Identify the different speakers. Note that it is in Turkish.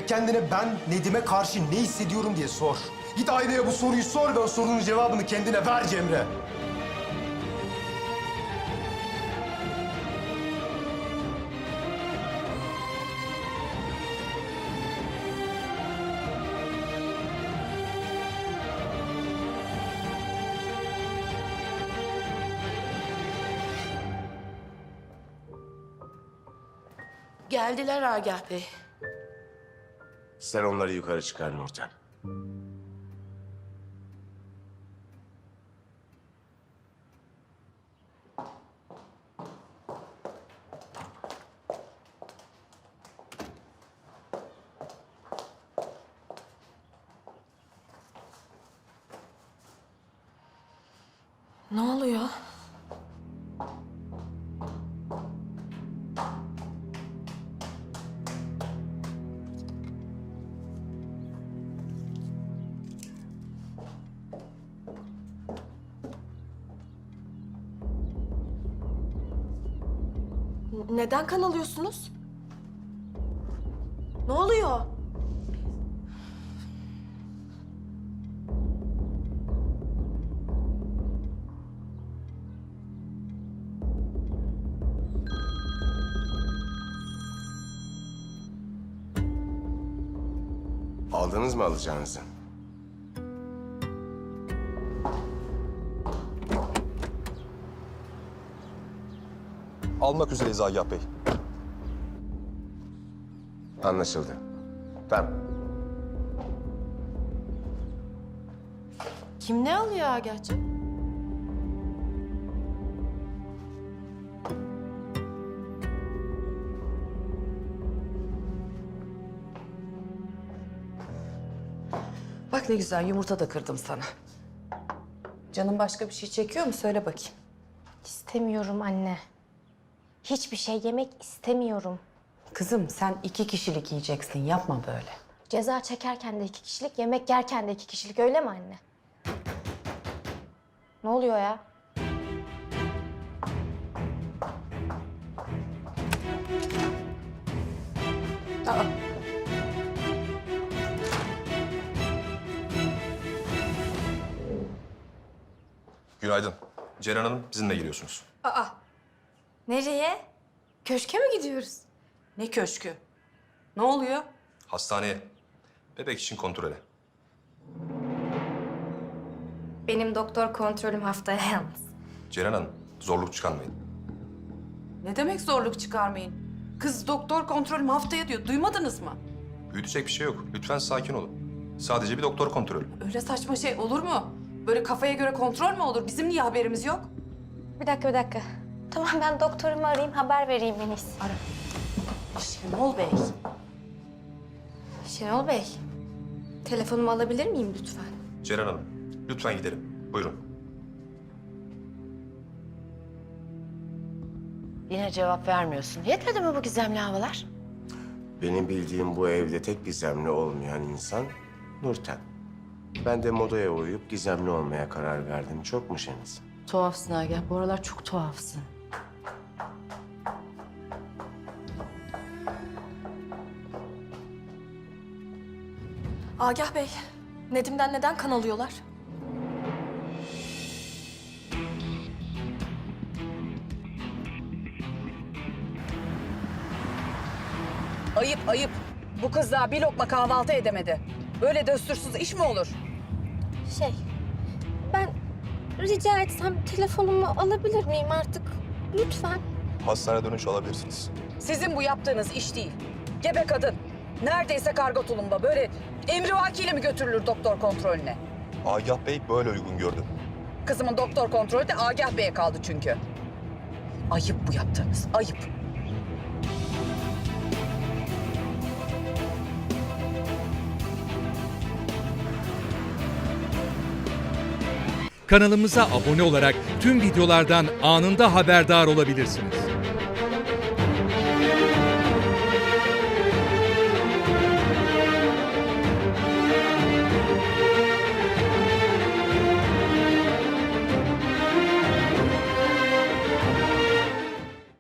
Speaker 1: Direkt kendine ben Nedim'e karşı ne hissediyorum diye sor. Git aynaya bu soruyu sor ve o sorunun cevabını kendine ver Cemre.
Speaker 2: Geldiler Agah Bey.
Speaker 3: Sen onları yukarı çıkar Nurten.
Speaker 2: Ne oluyor? Neden kan alıyorsunuz? Ne oluyor?
Speaker 3: Aldınız mı alacağınızı?
Speaker 4: Almak üzereyiz Agah Bey.
Speaker 3: Anlaşıldı. Tamam.
Speaker 2: Kim ne alıyor Agah'cığım?
Speaker 5: Bak ne güzel yumurta da kırdım sana. Canın başka bir şey çekiyor mu? Söyle bakayım.
Speaker 6: İstemiyorum anne. Hiçbir şey yemek istemiyorum.
Speaker 5: Kızım sen 2 kişilik yiyeceksin. Yapma böyle.
Speaker 6: Ceza çekerken de 2 kişilik, yemek yerken de 2 kişilik öyle mi anne? Ne oluyor ya?
Speaker 5: Aa.
Speaker 4: Günaydın. Ceren Hanım bizimle geliyorsunuz.
Speaker 6: Nereye? Köşke mi gidiyoruz?
Speaker 5: Ne köşkü? Ne oluyor?
Speaker 4: Hastaneye. Bebek için kontrole.
Speaker 6: Benim doktor kontrolüm haftaya yalnız.
Speaker 4: Ceren Hanım zorluk çıkarmayın.
Speaker 5: Ne demek zorluk çıkarmayın? Kız doktor kontrolüm haftaya diyor. Duymadınız mı?
Speaker 4: Büyütecek bir şey yok. Lütfen sakin olun. Sadece bir doktor kontrolü.
Speaker 5: Öyle saçma şey olur mu? Böyle kafaya göre kontrol mü olur? Bizim niye haberimiz yok?
Speaker 6: Bir dakika. Tamam ben doktorumu arayayım, haber vereyim en iyisi.
Speaker 5: Ara. Şenol Bey.
Speaker 6: Şenol Bey, telefonumu alabilir miyim lütfen?
Speaker 4: Ceren Hanım lütfen gidelim. Buyurun.
Speaker 2: Yine cevap vermiyorsun. Yetmedi mi bu gizemli havalar?
Speaker 3: Benim bildiğim bu evde tek gizemli olmayan insan Nurten. Ben de modaya uyup gizemli olmaya karar verdim. Çok mu Şeniz?
Speaker 2: Tuhafsın Agah. Bu aralar çok tuhafsın.
Speaker 7: Agah Bey, Nedim'den neden kan alıyorlar?
Speaker 8: Ayıp ayıp. Bu kız daha bir lokma kahvaltı edemedi. Böyle döstürsüz iş mi olur?
Speaker 6: Ben rica etsem telefonumu alabilir miyim artık? Lütfen.
Speaker 4: Hastaneye dönüş alabilirsiniz.
Speaker 8: Sizin bu yaptığınız iş değil. Gebe kadın. Neredeyse karga tulumba. Böyle emrivakiyle mi götürülür doktor kontrolüne?
Speaker 4: Agah Bey böyle uygun gördü.
Speaker 8: Kızımın doktor kontrolü de Agah Bey'e kaldı çünkü. Ayıp bu yaptığınız, ayıp.
Speaker 9: Kanalımıza abone olarak tüm videolardan anında haberdar olabilirsiniz.